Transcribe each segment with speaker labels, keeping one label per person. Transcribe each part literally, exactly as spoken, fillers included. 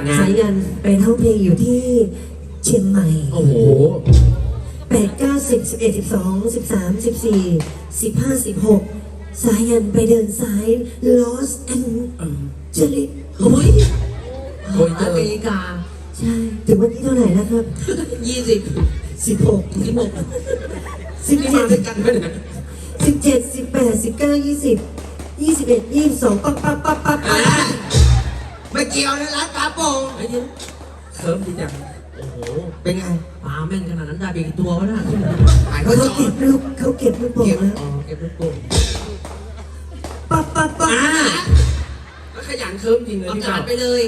Speaker 1: นะ
Speaker 2: สายันไปท่องเพลงอยู่ที่เชียงใหม่
Speaker 1: โอ้โห
Speaker 2: แปดเก้าสิบสิบเอ็ดสิบสองสิบสามสิบสี่สิบห้าสิบหกสายันไปเดินสายลอสแอนเจลิส
Speaker 3: โอ้ย
Speaker 1: โอ้ย
Speaker 3: อเมริกา
Speaker 2: ใช่ถึงวันที่เท่าไหร่แล้วครับ
Speaker 3: ยี่สิบ
Speaker 2: สิบหก
Speaker 3: สิบหก
Speaker 2: สิบ
Speaker 1: นี่
Speaker 2: เจ็
Speaker 1: มา
Speaker 2: ด
Speaker 1: ด้วยกันไหมเนี่ย
Speaker 2: สิบเจ็ดสิบแปดสิบเก้ายี่สิบยี่สิบเอ็ดยี่สิบสองปั๊บปั๊บปั๊บปั๊บ
Speaker 3: อ่ะไม่เกี่ยวนะร้านปลาโป่ง
Speaker 1: ไอ้เดี๋ยวเคิร์ฟดีจังโอ้โห
Speaker 3: เป็นไง
Speaker 4: ปลาแม่งขนาดนั้นได้ไปกี่ตัววะน่ะ
Speaker 3: หาย
Speaker 2: เขา
Speaker 3: เขาจอ
Speaker 2: เก็
Speaker 3: ด
Speaker 2: บลูกเขาเก็บลูกโป่งแล้ว
Speaker 1: อ๋อเก็บลูกโป่ง
Speaker 2: ปั๊บปั๊บปั๊บ
Speaker 3: อ่า
Speaker 1: แล้วขยันเคิร์ฟจริงเลย
Speaker 3: ประ
Speaker 1: พี่
Speaker 3: กา
Speaker 1: เก่า
Speaker 3: ศไปเลย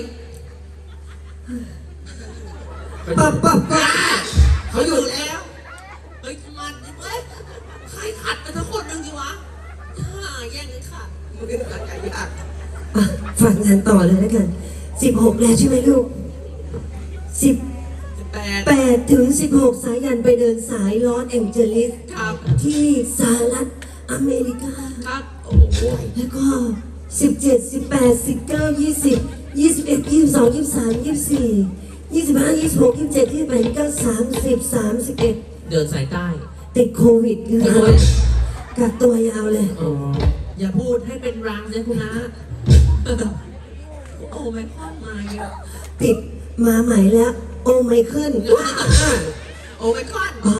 Speaker 2: ปั๊บปั๊บปั๊บ
Speaker 3: อ่าเขาอยู่แล้ว เฮ้ยมันเว้ยใครขัดไปทั้งคนหนึงสิวะอ่าแย่งกันขัดมึงเป็นขัดใจยาก
Speaker 2: อ่ะฟังงานต่อเลยแล้วกันสิบหกแล้วใช่ไหมลูกสิบ
Speaker 3: สิบแปด
Speaker 2: แปดถึงสิบหกสายันไปเดินสายลอสแองเจลิส
Speaker 3: ครับ
Speaker 2: ที่สหรัฐอเมริกา
Speaker 3: ครับ
Speaker 1: โอ้โห
Speaker 2: แล้วก็สิบเจ็ดสิบแปดสิบเก้ายี่สิบยี่สิบเอ็ดยี่สิบสองยี่สิบสามยี่สิบสี่ยี่สิบห้ายี่สิบหกยี่สิบเจ็ดยี่สิบแปดยี่สิบเก้าสามสิบสามสิบเอ็ด
Speaker 4: เดินสายใต้
Speaker 2: ติดโควิดเลยกักตัวยาวเลย
Speaker 1: อ๋อ
Speaker 4: อย่าพูดให้เป็นรังนะคุณนะโอ้ไม่ค่อยมาเยอะ
Speaker 2: ติดมาใหม่แล้ว โอไมเคิล
Speaker 3: โอ้ไม่ก้อน